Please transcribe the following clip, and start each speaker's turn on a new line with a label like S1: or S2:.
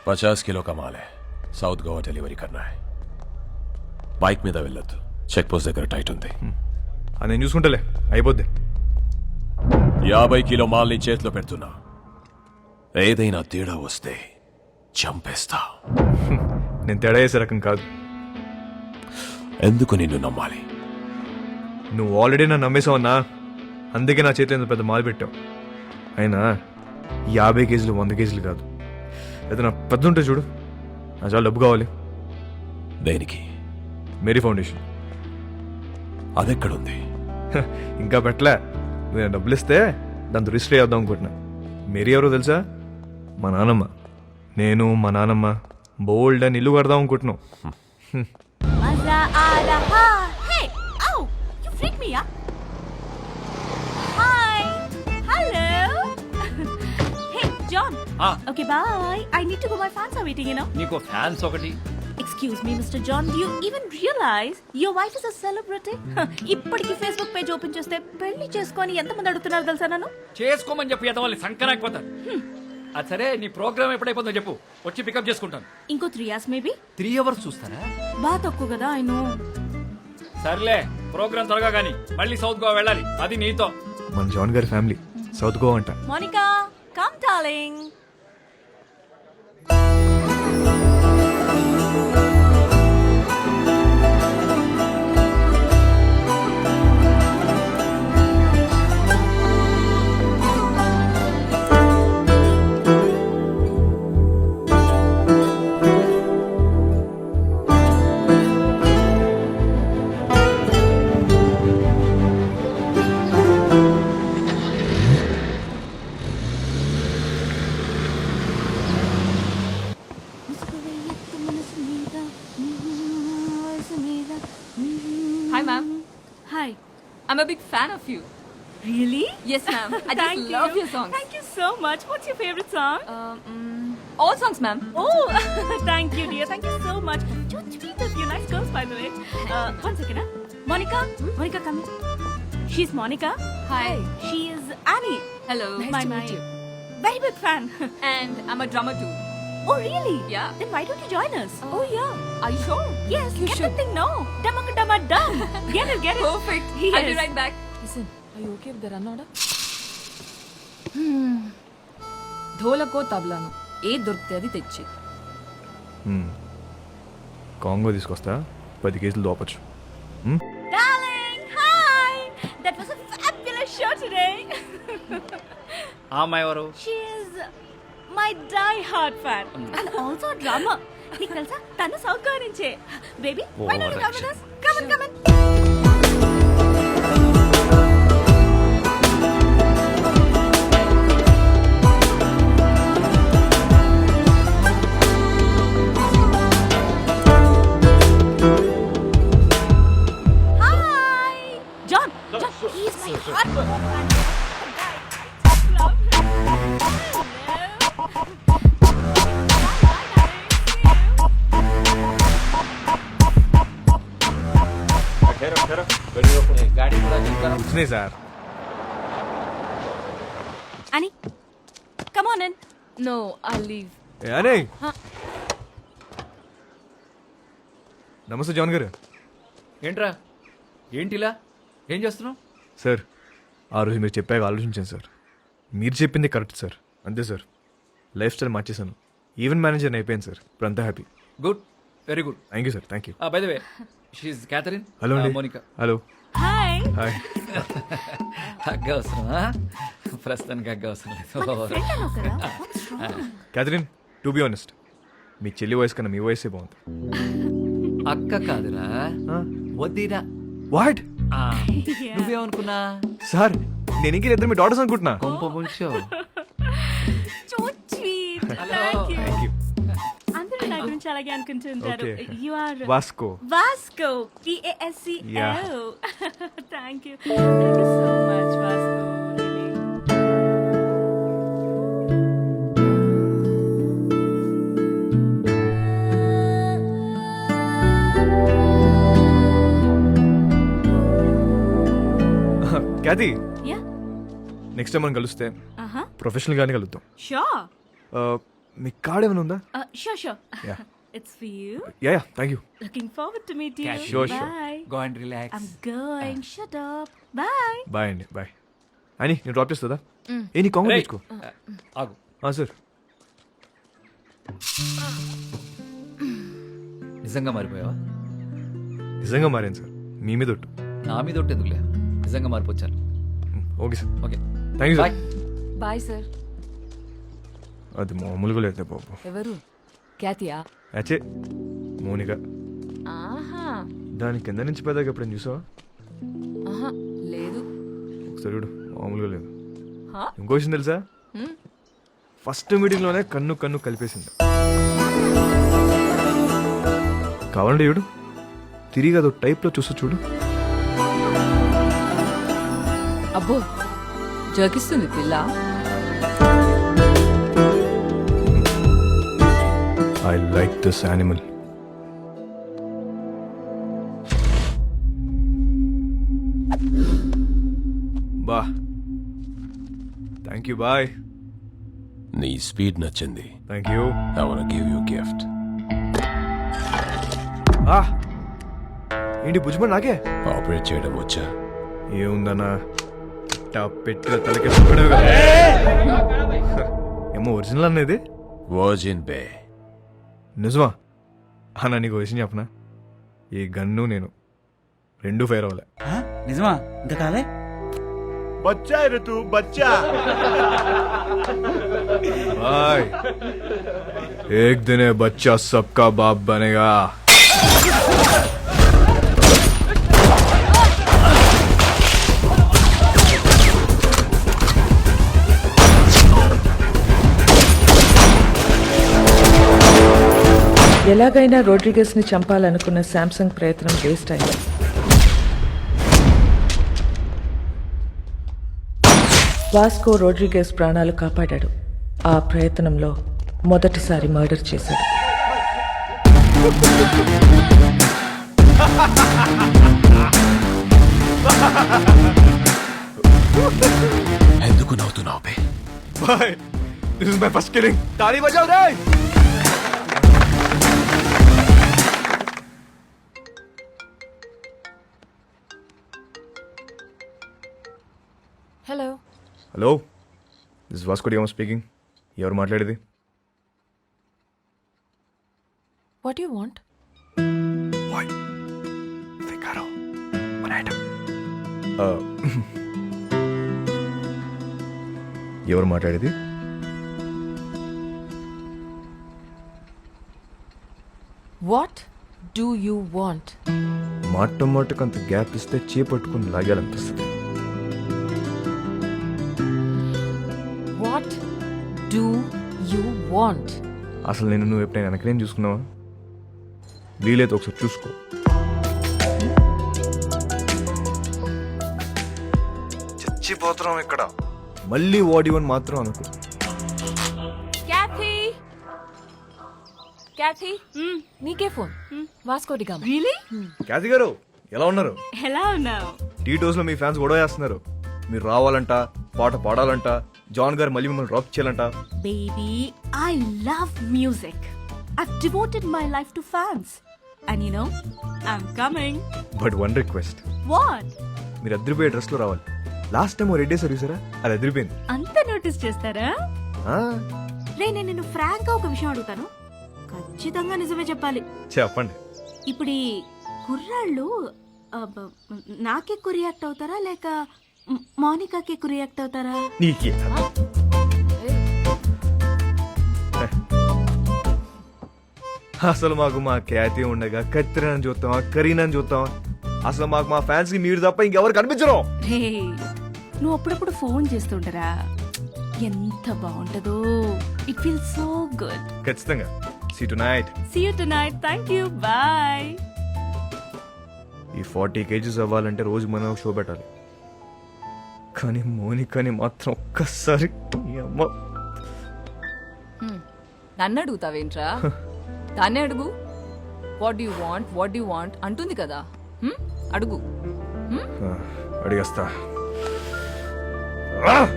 S1: 50 kilo का माल है south Goa delivery करना है బైక్ మీద వెళ్ళొద్దు చెక్ పోస్ట్ దగ్గర టైట్ ఉంది
S2: అది నేను చూసుకుంటలే అయిపోద్ది
S1: 50 కిలో మాల్ ని చేతిలో పెడుతున్నా ఏదైనా తేడా వస్తే చంపేస్తా
S2: నేను తేడా చేసే రకం కాదు.
S1: ఎందుకు నిన్ను నమ్మాలి?
S2: నువ్వు ఆల్రెడీ నన్ను నమ్మేసావన్నా, అందుకే నా చేతిలో ఇంత పెద్ద మాల్ పెట్టావు. అయినా 50 కేజీలు 100 కేజీలు కాదు, ఏదైనా పెద్ద ఉంటే చూడు, నా చాలా డబ్బు కావాలి.
S1: దేనికి?
S2: Mary foundation.
S1: అదెక్కడుంది?
S2: ఇంకా పెట్టలే. నేను డబ్బులు ఇస్తే దాంతో రిజిస్టర్ చేద్దాం అనుకుంటున్నా. మేరీ ఎవరో తెలుసా? మా నాన్నమ్మ. నేను మా నాన్నమ్మ బోల్డ్ అని ఇల్లు కడదాం అనుకుంటున్నాం.
S3: मजा आ रहा है. Oh, you freaked me up. Hi. Hello. Hey, John. Okay, bye. I need to go. My fans are waiting, you know.
S4: నీకు ఫ్యాన్స్ ఒకటి.
S3: Excuse me, Mr. John. Do you even realize your wife is a celebrity? ఇప్పటికి Facebook page open చేస్తే పెళ్లి చేసుకొని ఎంతమంది అడుగుతున్నారు తెలుసా నన్ను?
S4: చేసుకోమని చెప్పి ఎదవాలి సంకరాకపోతారు. అది సరే, నీ ప్రోగ్రామ్ ఎప్పుడైపోతుందో చెప్పు, వచ్చి పికప్ చేసుకుంటాను.
S3: ఇంకో 3 hours maybe.
S4: 3 hours చూస్తారా?
S3: బాగా తక్కువ కదా, I know.
S4: సర్లే, ప్రోగ్రామ్ త్వరగా కానీ మళ్ళీ సౌత్ గోవా వెళ్ళాలి, అది నీతో.
S2: మన జాన్ గారి ఫ్యామిలీ సౌత్ గోవా అంట.
S3: Monica, come darling.
S5: Hi, ma'am.
S3: Hi.
S5: I'm a big fan of you.
S3: Really?
S5: Yes, ma'am. I
S3: Thank
S5: just love
S3: you.
S5: your songs.
S3: Thank you so much. What's your favorite song?
S5: All songs, ma'am.
S3: Oh, thank you, dear. Thank you so much. So sweet of you. Nice girls, by the way. One second, huh? Monica? Monica, come in. She's Monica.
S5: Hi.
S3: She is Annie.
S5: Hello.
S3: my very big fan.
S5: And I'm a drummer too.
S3: Oh, really?
S5: Yeah.
S3: Then why don't you join us? Oh, yeah.
S5: Are you sure?
S3: Yes,
S5: You
S3: get
S5: should.
S3: the thing, no. Dumma dum. Get it, get it.
S5: Perfect.
S3: Yes.
S5: I'll be right back.
S6: Listen, are you okay with the run order? ధోలకో తబలాను ఏ దొరికితే అది తెచ్చి.
S2: Congo తీసుకొస్తా, 10 కేజీలు దోపచ్చు.
S3: Darling, hi. That was a fabulous show today.
S4: ఆ అమ్మాయి ఎవరు?
S3: She is my die-hard fan and also a drummer. నీకు తెలుసా, తను సౌత్ గోవా నుంచే. Baby, why don't you come with us? Come on, come on. Hi. John, he's my hardcore fan. Love him.
S2: వచ్చినాయి sir.
S3: Annie, come on in.
S6: No, I'll leave.
S2: అనే నమస్తే John గారు.
S4: ఏంట్రా, ఏంటిలా ఏం చేస్తున్నావు?
S2: సార్, ఆ రోజు మీరు చెప్పాక ఆలోచించాను సార్. మీరు చెప్పింది కరెక్ట్ సార్, అంతే సార్. లైఫ్ స్టైల్ మార్చేశాను, ఈవెంట్ మేనేజర్ అయిపోయాను సార్. ఇప్పుడు అంతా happy.
S4: Good, very good.
S2: Thank you sir. Thank you.
S4: By the way, షీఈ్ క్యాథరిన్.
S2: హలో అండి.
S4: Monica.
S2: Hello.
S3: Hi.
S2: Hi.
S4: Hug అవసరమా? ప్రస్తుతానికి హగ్ అవసరం లేదు.
S3: Friend అన్నావు కదా? What's wrong?
S2: Catherine, to be honest, మీ చెల్లి వయసు కన్నా మీ వయసే బాగుంది.
S4: అక్క కాదురా, వద్దిరా.
S2: వాట్?
S4: నువ్వేమనుకున్నా?
S2: సార్, నేను ఇంక ఇద్దరు మీ డాటర్స్ అనుకుంటున్నా.
S4: కొంప ముంచావు.
S3: So sweet.
S4: Hello.
S3: Thank you.
S2: Thank you.
S3: అందరూ నా గురించి అలాగే అనుకుంటుంటారు.
S2: Okay.
S3: You are
S2: Vasco.
S3: Vasco. Vasco.
S2: Yeah.
S3: Thank you. Thank you so much, Vasco. Really.
S2: Cathy,
S3: Yeah.
S2: Next time మనం కలిస్తే
S3: Uh-huh.
S2: ప్రొఫెషనల్ గానే కలుద్దాం.
S3: Sure.
S2: మీ కార్డ్ ఏమైనా ఉందా?
S3: Sure, sure.
S2: Yeah.
S3: It's for you.
S2: Yeah thank you.
S3: Looking forward to meet you.
S4: Cash.
S2: Sure, sure.
S3: Bye.
S4: Go and relax.
S3: I'm going. Shut up. Bye.
S2: Bye అండి bye. అని నేను drop చేస్తుందా? ఏ నీ కాంగ్రెస్ తెచ్చుకో.
S4: ఆగు.
S2: Sir
S4: నిజంగా మారిపోయావా?
S2: నిజంగా మారాను సార్, మీ మీద ఒట్టు.
S4: నా మీద ఒకటి ఎందుకులే, నిజంగా మారిపోచ్చాను.
S2: Okay sir,
S4: okay
S2: thank you
S4: bye.
S2: Sir.
S6: Bye sir.
S2: అది మామూలుగా లేదు బాబు.
S6: ఎవరు? క్యాతియా?
S2: అచ్చే మోనిక.
S6: ఆహా.
S2: దాని కింద నుంచి పెద్దగా ఎప్పుడైనా చూసావా?
S6: ఆహా లేదు.
S2: ఒకసారి చూడు, మామూలుగా లేదు.
S6: హా?
S2: ఇంకో విషయం తెలుసా? ఫస్ట్ మీటింగ్లోనే కన్ను కన్ను కలిపేసింది. కావాలంటే చూడు, తిరిగి అదో టైప్లో చూస్తూ చూడు.
S6: అబ్బో జోకిస్తుంది పిల్ల.
S2: I like this animal. బా థ్యాంక్ యూ బాయ్.
S1: నీ స్పీడ్ నచ్చింది.
S2: Thank you.
S1: I want give you gift.
S2: ఏంటి భుజ్మన్ నాకే
S1: ఆపరేట్ చేయడం వచ్చా?
S2: ఏముందన్నా, పెట్టిన తలకి ఏమో ఒరిజినల్ అనేది.
S1: వర్జిన్ బే.
S2: నిజమా అన్న? నీకు విషయం చెప్పనా, ఈ గన్ను నేను రెండు ఫైర్ అవ్వలే.
S7: నిజమా? ఇంకా కాలే?
S2: బచ్చా ఋతు బచ్చా. బాయ్. एक दिन ये बच्चा सबका बाप बनेगा.
S8: ఎలాగైనా రోడ్రిగస్ ని చంపాలనుకున్న శాంసంగ్ ప్రయత్నం వేస్ట్ అయింది. వాస్కో రోడ్రిగస్ ప్రాణాలు కాపాడాడు. ఆ ప్రయత్నంలో మొదటిసారి మర్డర్ చేశాడు.
S1: ఎందుకు నవ్వుతున్నావు బే?
S2: Boy, this is my first killing. తాళీ బజావ్ రే.
S6: Hello.
S2: Hello, this Vasco da Gama speaking. ఎవరు మాట్లాడేది?
S6: What you want?
S2: ఎవరు మాట్లాడేది?
S6: What do you want?
S2: మాట మాటకు అంత గ్యాప్ ఇస్తే చేపట్టుకుని లాగాలనిపిస్తుంది.
S6: What do you want?
S2: అసలు నేను నువ్వు ఎప్పుడైనా వెనకనేం చూసుకున్నావా? వీలైతే ఒకసారి చూసుకో. చచ్చిపోతున్నాం ఇక్కడ. మళ్ళీ వాడివని మాత్రం అనుకో.
S6: క్యాథీ, క్యాథీ, నీకే phone. Vasco da Gama.
S3: Really?
S2: Cathy గారు ఎలా ఉన్నారు?
S3: Hello now.
S2: టీ టోస్ లో మీ ఫ్యాన్స్ గొడవ చేస్తున్నారు. మీరు రావాలంట, పాట పాడాలంట, జాన్ గారు మళ్ళీ మిమ్మల్ని డ్రాప్ చేయాలంట.
S3: Baby, I love music. I've devoted my life to fans. And you know, I'm coming.
S2: But one request,
S3: What?
S2: మీరు అద్దరిపోయే డ్రెస్ లో రావాలి. లాస్ట్ టైం రెడ్ డే సర్వీసరా, అది అదిరిపోయింది.
S3: అంత నోటీస్ చేస్తారా?
S2: ఆ,
S3: రే, నేను నిన్ను ఫ్రాంక్ గా ఒక విషయం అడుగుతాను, ఖచ్చితంగా నిజమే చెప్పాలి.
S2: చెప్పండి.
S3: ఇప్పుడు ఈ కుర్రాళ్ళు నాకే రియాక్ట్ అవుతారా లేక మౌనికాకి రియాక్ట్ అవుతారా?
S2: నీకే అసలు మాకు మా ఖ్యాతి ఉండగా కత్తిరని చూస్తావా, కరీనని చూస్తావా? అసలు మాకు మా ఫ్యాన్స్ కి మీరు తప్ప ఇంకెవరు కనిపించరు.
S3: రే, నువ్వు అప్పుడప్పుడు ఫోన్ చేస్తుంటారా? ఎంత బాగుంటదో. It feel so good.
S2: ఖచ్చితంగా. See tonight.
S3: See you tonight. Thank you. Bye.
S2: ఈ 40 kgs అవ్వాలంటే రోజు మనం ఒక షో పెట్టాలి. కానీ మోనికాని మాత్రం ఒక్కసారి ఈ అమ్మ.
S6: నన్ను అడుగుతావేంట్రా? దాన్నే అడుగు. What you want, what you want అంటుంది కదా. అడుగు.
S2: అడిగేస్తా.